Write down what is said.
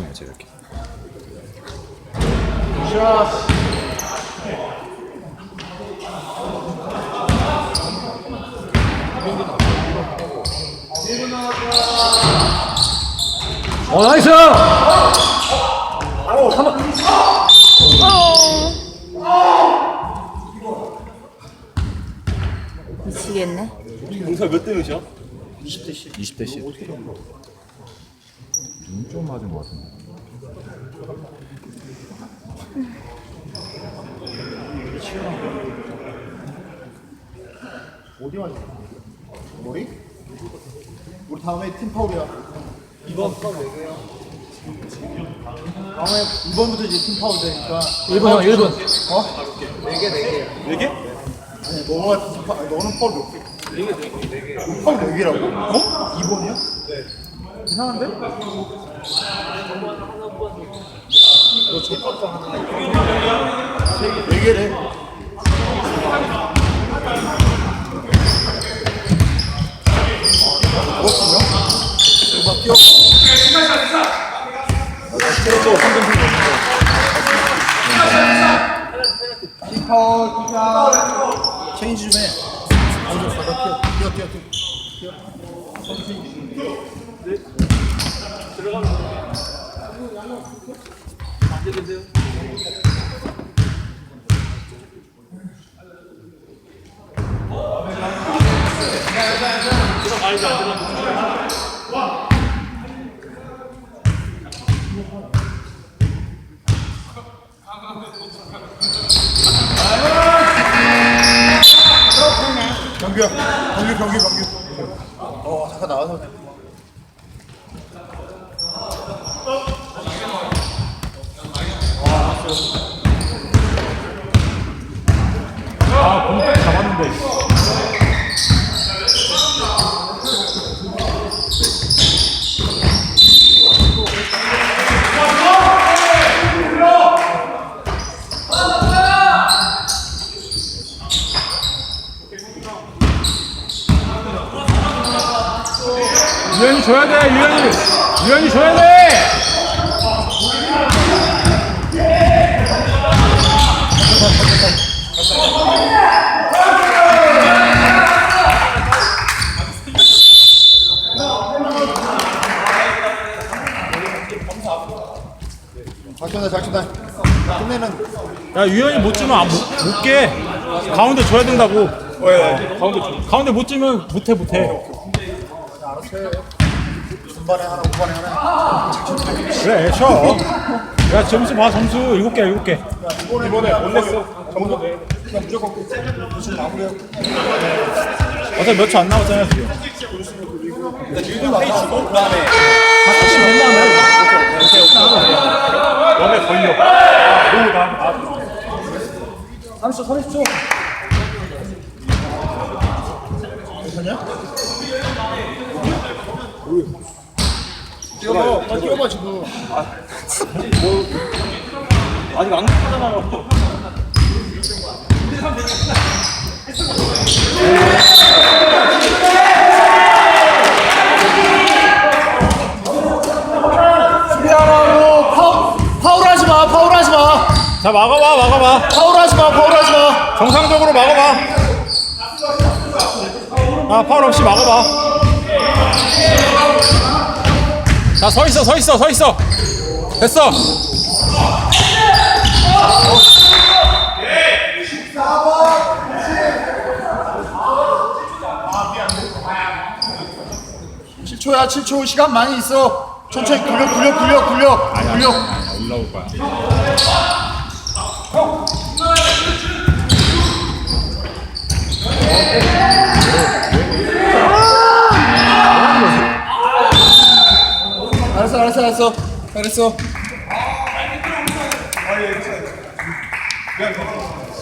거지 이렇게. 나이스! 미치겠네. 공사 몇 대 몇이야? 20대 10. 눈 좀 맞은 것 같은데. 어디 맞아? 머리? 우리 다음에 팀 파울이야. 이번 파울 4개요. 다음에 이번부터 이제 팀 파울 되니까. 1분 형 1분. 어? 4개. 4개? 아니 너가 팀 파울. 너는 파울 몇 개? 4개. 파울 4개라고? 어? 2번이야? 네. 이상한데? 너 저것도 하나. 4개래. 파울 기자 체인지 좀 해. 뛰어. 경규야, 경규. 잠깐 나와서. 공백 잡았는데. 유현이 줘야 돼, 유현이 줘야 돼! 작전다. 끝내는. 야, 유현이 못 주면 못 깨. 가운데 줘야 된다고. 가운데 못 주면 못해. 중반에 하나, 후반에 하나. 그래, 쉬어. 야, 점수 봐, 점수. 7개. 이번에 못 냈어. 그냥 무조건 무슨 마무리하고. 어차피 몇 초 안 남았잖아요, 지금. 페이 주고 그다음에 다시 된 다음에. 너네 걸려. 너무 나. 30초. 괜찮냐? 뛰어봐 지금. 아직 안 끝나잖아요. 수비하라고 파울하지 마. 자, 막아봐. 파울하지 마. 정상적으로 막아봐. 아, 파울 없이 막아봐. 자, 서 있어. 됐어. 야 7초 시간 많이 있어. 천천히 굴려. 올라올 거야. 알았어. 잘했어.